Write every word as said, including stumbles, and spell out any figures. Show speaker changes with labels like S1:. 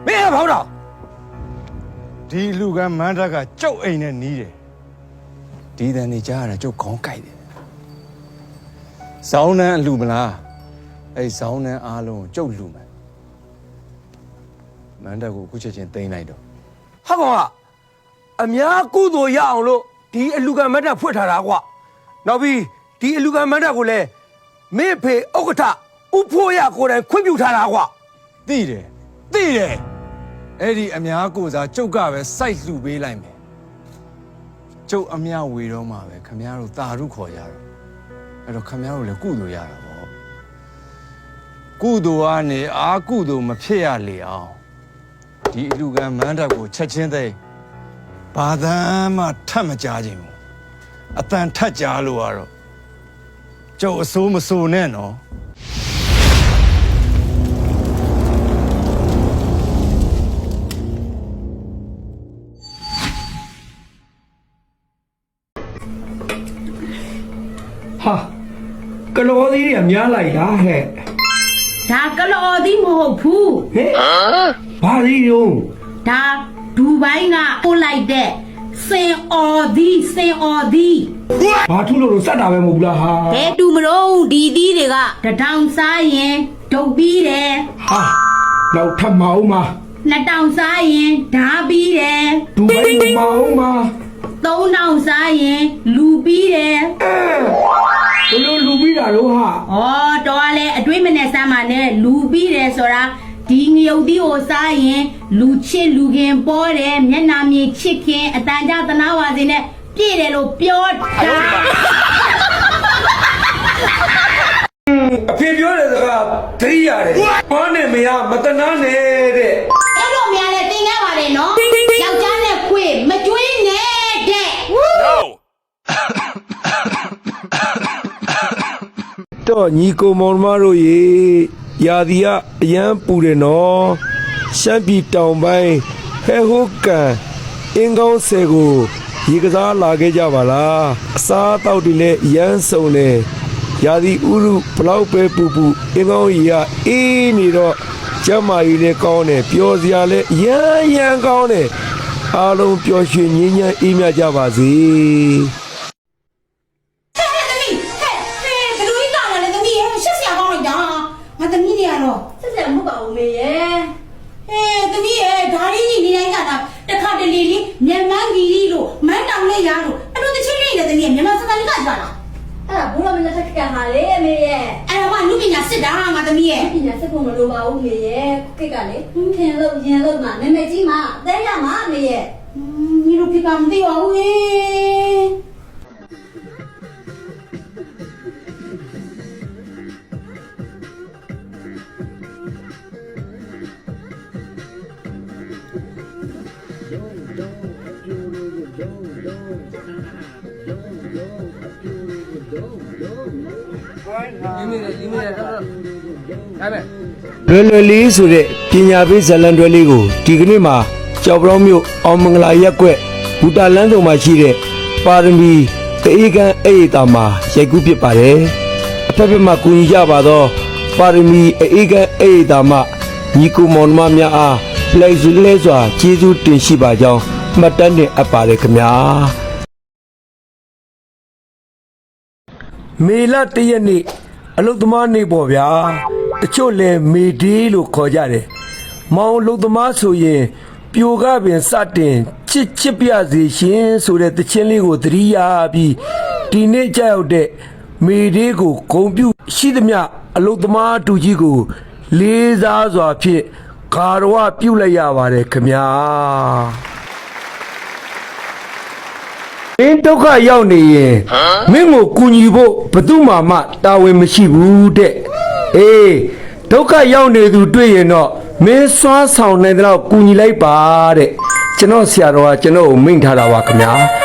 S1: မင်းကဘောက်တော့
S2: ဒီလူကမန်းတက်ကကျုပ်အိမ်နဲ့နီးတယ်ဒီတန်နေကြားရတာကျုပ်ခေါင်းကိုက်တယ်ဇောင်းနှန်းအလူမလားအဲ့ဇောင်းနှန်းအားလုံးကျုပ်လူမယ်မန်းတက်ကိုအခုချက်ချင်းသိမ်းလိုက်တော့
S1: ဟာကောင်ကအများကုသိုလ်ရအောင်လို့ဒီအလူကမတ်တက်ဖွင့်ထားတာကွာနောက်ပြီးဒီအလူကမတ်တက်ကိုလည်းမင်းဖေဥက္ကဋ္ဌဥဖို့ရကိုယ်တိုင်ခွင့်ပြုထားတာကွာ
S2: သိတယ်သိတယ်အဲ့ဒီအများကိုစားကျုပ်ကပဲစိုက်လှူပေးလိုက်မယ်ကျုပ်အမြဝေတော့မှာပဲခမရတို့တာရုခေါ်ကြတော့အဲ့တော့ခမရတို့လည်းကုသိုလ်ရတာပေါ့ကုသိုလ်ကနေအာကုသိုလ်မဖြစ်ရလေအောင်ဒီအလူကမန်းတက်ကိုချက်ချင်းသိဘာသာမှထပ်မကြားခြင်းဘူးအတန်ထပ်ကြားလို့ကတော့ကျုပ်အစိုးမစိုးနဲ့နော်
S1: ဟာကလောသီးတွေကများလိုက်တာဟဲ့
S3: ဒါကလော်သီးမဟုတ်ဘူး
S1: ဟဲ့ဘာသီးရော
S3: ဒါဒူဘိုင်းကပို့လိုက်တဲ့စင်အော်သီးစင်အော်သီး
S1: ဘာထုလို့လို့စက်တာပဲမဟုတ်ဘူးလားဟာ
S3: ဘဲတူမလို့ဒီသီးတွေကတထောင်စားရင်ဒုတ်ပြီးတယ်
S1: ဟာနောက်ထပ်မအောင်မ
S3: နှစ်တောင်စားရင်ဓာပြီးတယ်
S1: ဒူဘိုင်းမအောင်မ
S3: သုံးတောင်စားရင်လူပြီးတယ်
S1: ဘလို့လူပြီးတာတော့ဟာ
S3: ဩတော်ကလည်းအတွေးမနဲ့စမ်းပါနဲ့လူပြီးတယ်ဆိုတာဒီငရုတ်သီးကိုစားရင်လူချစ်လူခင်ပေါ်တယ်မျက်နာမြင်ချစ်ခင်အတန်ကြသနာဝါစင်နဲ့ပြည့်တယ်လို့ပြောတာ
S1: အဖေပြောတဲ့စကားသတိရတယ်ဘာနဲ့မရမတနာနဲ့တဲ့
S3: အဲ့လိုများလဲတင်ရပါတယ်နော်ယောက်ျားနဲ့ခွေမကျွေးနဲ့တဲ့
S4: တော့ညီကိုမောင်မတို့ရေရာသီကအရန်ပူတယ်နော်ရှမ်းပြည်တောင်ပိုင်းဟဲဟိုကန်အင်းကောင်းဆယ်ကိုရေကစားလာခဲ့ကြပါလားအစားအသောက်တွေလည်းရမ်းစုံတယ်ရာသီဥရုဘလောက်ပဲပူပူအင်းကောင်းကြီးကအေးနေတော့ကျမကြီးလည်းကောင်းတယ်ပျော်စရာလည်းရမ်းရမ်းကောင်းတယ်အားလုံးပျော်ရွှင်ငြိမ်းချမ်းအေးမြကြပါစေ
S3: ငါသမီးတွေကတော့ဆက်ဆက်မဟုတ်ပါဘူးမေရဲ့ဟဲ့သမီးရဲ့ဓာရီကြီးနေတိုင်းကတာတခါတလေလေးမြန်မာကြီးကြီးလို့မန်းတောင်လေးရလို့အဲ့လိုတချင်းလေးနဲ့သမီးရဲ့မြန်မာစကားလေးကကြွားလာအဲ့ဒါဘုရားမင်းလက်ထက်ကဟာလေမေရဲ့အဲ့ဒါကလူပညာစစ်တာငါသမီးရဲ့ပညာစစ်ဖို့မလိုပါဘူးမေရဲ့ကိတ်ကလေခင်လို့ရင်လို့မှနမေကြီးမှအသေးရမှာမေရဲ့ညီတို့ဖြစ်ကမသိပါဘူးဟေး
S4: လွယ်လွယ်လေးဆိုတဲ့ပညာပေးဇာတ်လမ်းတွဲလေးကိုဒီကနေ့မှာကြောက်ပြောင်းမြို့အောင်မင်္ဂလာရက်ကွက်ဘူတာလန်းဆောင်မှာရှိတဲ့ပါရမီတအေးကန်းအေးတာမှာရိုက်ကူးဖြစ်ပါတယ်အဖက်ဖက်မှာကူညီကြပါတော့ပါရမီအေးကန်းအေးတာမှာညီကိုမောင်နှမများအားလိုက်စုလဲစွာကျေးဇူးတင်ရှိပါကြောင်းမှတ်တမ်းတင်အပ်ပါတယ်ခင်ဗျာမေလတရက်နေ့အလုတ်သမားနေ့ပေါ့ဗျာတချို့လဲမေဒီလို့ခေါ်ကြတယ်မောင်လုတ်သမားဆိုရင်ပြိုကပင်စတင်ချစ်ချစ်ပြစေရှင်ဆိုတဲ့တခြင်းလေးကိုသတိရပြီးဒီနေ့ကြောက်တဲ့မေဒီကိုဂုံပြုရှိသမျှအလုတ်သမားတူကြီးကိုလေးစားစွာဖြင့်ဂါရဝပြုလိုက်ရပါတယ်ခင်ဗျာမင်းဒုက္ခရောက်နေရင်မင်းကိုကူညီဖို့ဘယ်သူမှမတာဝန်မရှိဘူးတဲ့အေးဒုက္ခရောက်နေသူတွေ့ရင်တော့မင်းစွမ်းဆောင်နိုင်တဲ့လောက်ကူညီလိုက်ပါတဲ့ကျွန်တော်ဆရာတော်ကကျွန်တော်ကိုမိန့်ထားတာပါခင်ဗျာ